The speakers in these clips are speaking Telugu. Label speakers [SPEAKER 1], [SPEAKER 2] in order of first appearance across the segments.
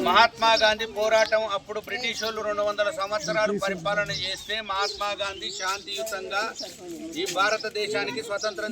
[SPEAKER 1] మహాత్మా గాంధీ పోరాటం అప్పుడు బ్రిటిష్ వాళ్ళు 200 సంవత్సరాలు పరిపాలన చేస్తే మహాత్మా గాంధీ శాంతియుతంగా ఈ భారతదేశానికి స్వతంత్రం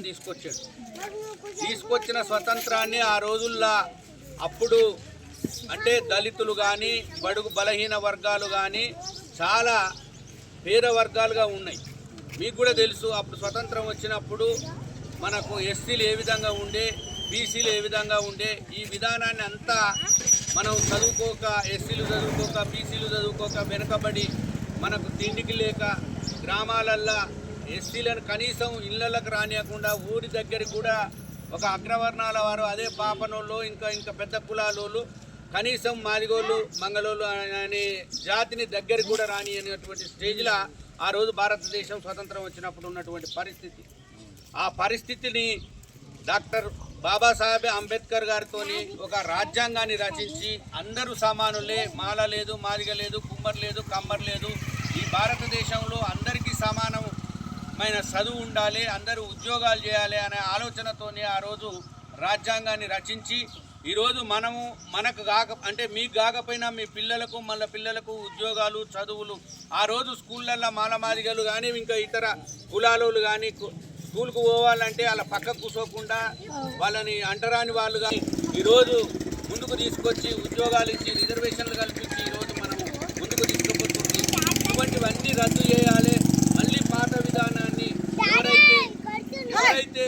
[SPEAKER 1] తీసుకొచ్చిన స్వతంత్రాన్ని ఆ రోజుల్లో అప్పుడు అంటే దళితులు కానీ బడుగు బలహీన వర్గాలు కానీ చాలా పేద వర్గాలుగా ఉన్నాయి. మీకు కూడా తెలుసు అప్పుడు స్వతంత్రం వచ్చినప్పుడు మనకు ఎస్సీలు ఏ విధంగా ఉండే, బీసీలు ఏ విధంగా ఉండే, ఈ విధానాన్ని అంతా మనం చదువుకోక, ఎస్సీలు చదువుకోక, బీసీలు చదువుకోక వెనుకబడి మనకు తిండికి లేక గ్రామాలల్లో ఎస్సీలను కనీసం ఇళ్లకు రానియకుండా ఊరి దగ్గరికి కూడా ఒక అగ్రవర్ణాల వారు అదే పాపనోళ్ళు ఇంకా పెద్ద కులాలోళ్ళు కనీసం మాదిగోళ్ళు మంగళోళ్ళు అనే జాతిని దగ్గరికి కూడా రాని అనేటువంటి స్టేజ్లో ఆ రోజు భారతదేశం స్వతంత్రం వచ్చినప్పుడు ఉన్నటువంటి పరిస్థితి. ఆ పరిస్థితిని డాక్టర్ బాబాసాహెబ్ అంబేద్కర్ గారితో ఒక రాజ్యాంగాన్ని రచించి అందరూ సమానులే, మాల లేదు, మాదిగ లేదు, కుమ్మర్ లేదు, కమ్మర్ లేదు, ఈ భారతదేశంలో అందరికీ సమానమైన చదువు ఉండాలి, అందరూ ఉద్యోగాలు చేయాలి అనే ఆలోచనతోనే ఆ రోజు రాజ్యాంగాన్ని రచించి ఈరోజు మనకు అంటే మీకు కాకపోయినా మీ పిల్లలకు మళ్ళీ పిల్లలకు ఉద్యోగాలు చదువులు ఆ రోజు స్కూళ్ళల్లో మాలమాదిగలు కానీ ఇంకా ఇతర కులాలు కానీ స్కూల్కు పోవాలంటే అలా పక్కకు కూర్చోకుండా వాళ్ళని అంటరాని వాళ్ళు కానీ ఈరోజు ముందుకు తీసుకొచ్చి ఉద్యోగాలు ఇచ్చి రిజర్వేషన్లు కల్పించి ఈరోజు మనము ముందుకు తీసుకుపోతుంది. ఇటువంటివన్నీ రద్దు చేయాలి. మళ్ళీ పాత విధానాన్ని ఎవరైతే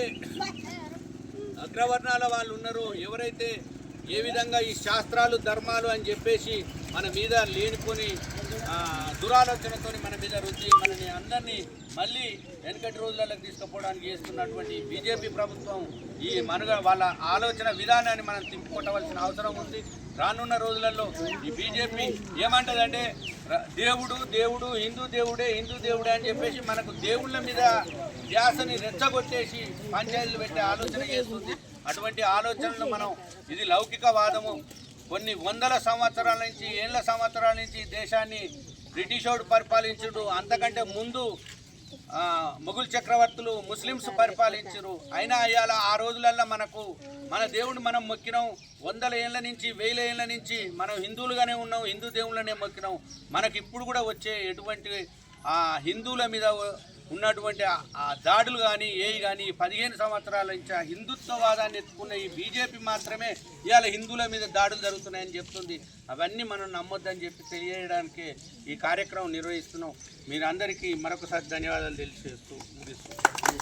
[SPEAKER 1] అగ్రవర్ణాల వాళ్ళు ఉన్నారో, ఎవరైతే ఏ విధంగా ఈ శాస్త్రాలు ధర్మాలు అని చెప్పేసి మన మీద లేనిపోని దురాలోచనతో మన మీద రుచి మనని అందరినీ మళ్ళీ వెనకటి రోజులకు తీసుకుపోవడానికి చేస్తున్నటువంటి బీజేపీ ప్రభుత్వం ఈ వాళ్ళ ఆలోచన విధానాన్ని మనం తిప్పుకొట్టవలసిన అవసరం ఉంది. రానున్న రోజులలో ఈ బీజేపీ ఏమంటదంటే దేవుడు హిందూ దేవుడే అని చెప్పేసి మనకు దేవుళ్ళ మీద ధ్యాసని రెచ్చగొట్టేసి పంచాయతీలు పెట్టే ఆలోచన చేస్తుంది. అటువంటి ఆలోచనలు మనం ఇది లౌకికవాదము. కొన్ని వందల సంవత్సరాల నుంచి సంవత్సరాల నుంచి దేశాన్ని బ్రిటిషోడు పరిపాలించుడు, అంతకంటే ముందు మొఘల్ చక్రవర్తులు ముస్లిమ్స్ పరిపాలించరు. అయినా ఇవాళ ఆ రోజులల్లో మన దేవుడిని మనం మొక్కినాం. 100 ఏళ్ళ నుంచి 1000 ఏళ్ళ నుంచి మనం హిందువులుగానే ఉన్నాం, హిందూ దేవుళ్ళనే మొక్కినాం. మనకి ఇప్పుడు కూడా వచ్చే ఎటువంటి హిందువుల మీద ఉన్నటువంటి ఆ దాడులు కానీ కానీ 15 సంవత్సరాల నుంచి ఆ హిందుత్వవాదాన్ని ఎత్తుకున్న ఈ బీజేపీ మాత్రమే ఇవాళ హిందువుల మీద దాడులు జరుగుతున్నాయని చెప్తుంది. అవన్నీ మనం నమ్మొద్దని చెప్పి తెలియజేయడానికి ఈ కార్యక్రమం నిర్వహిస్తున్నాం. మీరందరికీ మరొకసారి ధన్యవాదాలు తెలియజేస్తూ ముగిస్తున్నాం.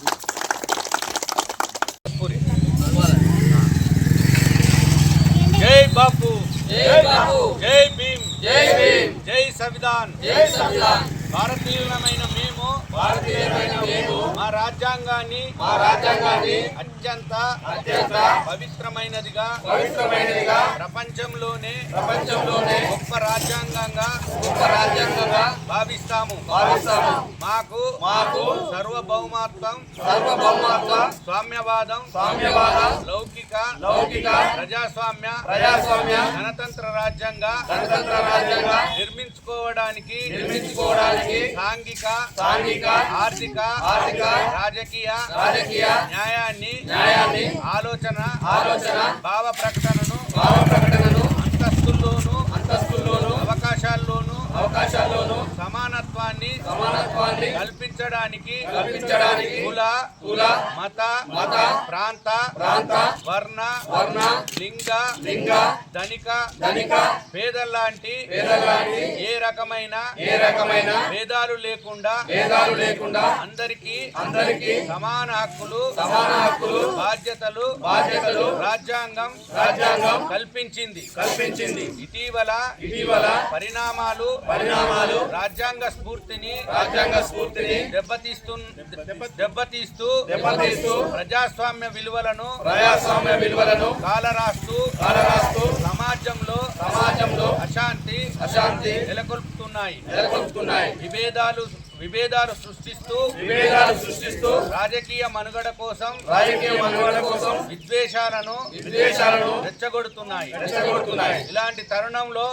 [SPEAKER 1] జై బాపు, జై భీమ్, జై సంవిధాన్. భారతీయులమైన మేము మా రాజ్యాంగాన్ని అత్యంత పవిత్రమైనదిగా ప్రపంచంలోనే గొప్ప రాజ్యాంగంగా భావిస్తాము. మాకు సర్వభౌమత్వం, స్వామ్యవాదం, లౌకిక ప్రజాస్వామ్య గణతంత్ర రాజ్యంగా నిర్మించుకోవడానికి సాంఘిక, ఆర్థిక, రాజకీయ న్యాయాన్ని ఆలోచన భావ ప్రకటనను అంతస్తుల్లోనూ అవకాశాల్లోనూ సమానత్వాన్ని కల్పించడానికి కుల మత ప్రాంత వర్ణ లింగ ధనిక పేదల్లాంటి ఏ రకమైన భేదాలు లేకుండా అందరికీ సమాన హక్కులు బాధ్యతలు రాజ్యాంగం కల్పించింది. ఇటీవల పరిణామాలు రాజ్యాంగ స్ఫూర్తిని దెబ్బతీస్తూ ప్రజాస్వామ్య విలువలను కాలరాస్తూ సమాజంలో అశాంతి నెలకొల్పుతున్నాయి. విభేదాలు సృష్టిస్తూ రాజకీయ మనుగడ కోసం విద్వేషాలను రెచ్చగొడుతున్నాయి. ఇలాంటి తరుణంలో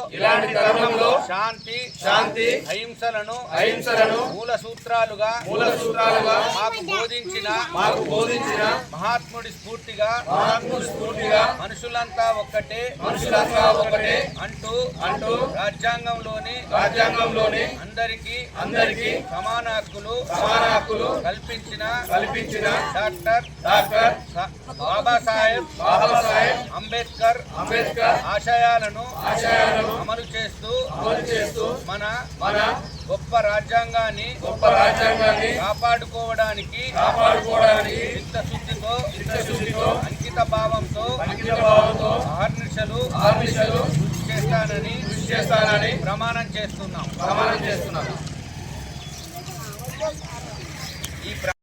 [SPEAKER 1] శాంతి అహింసలను మూల సూత్రాలుగా మాకు బోధించిన మహాత్ముడి స్ఫూర్తిగా మనుషులంతా ఒక్కటే అంటూ రాజ్యాంగంలోని అందరికీ సమాన హక్కులు కల్పించిన డాక్టర్ బాబాసాహెబ్ అంబేద్కర్ ఆశయాలను అమలు చేస్తూ మన గొప్ప రాజ్యాంగాన్ని కాపాడుకోవడానికి చిత్తశుద్ధితో అంకిత భావంతో అహర్నిశలు కృషి చేస్తానని ప్రమాణం చేస్తున్నాం.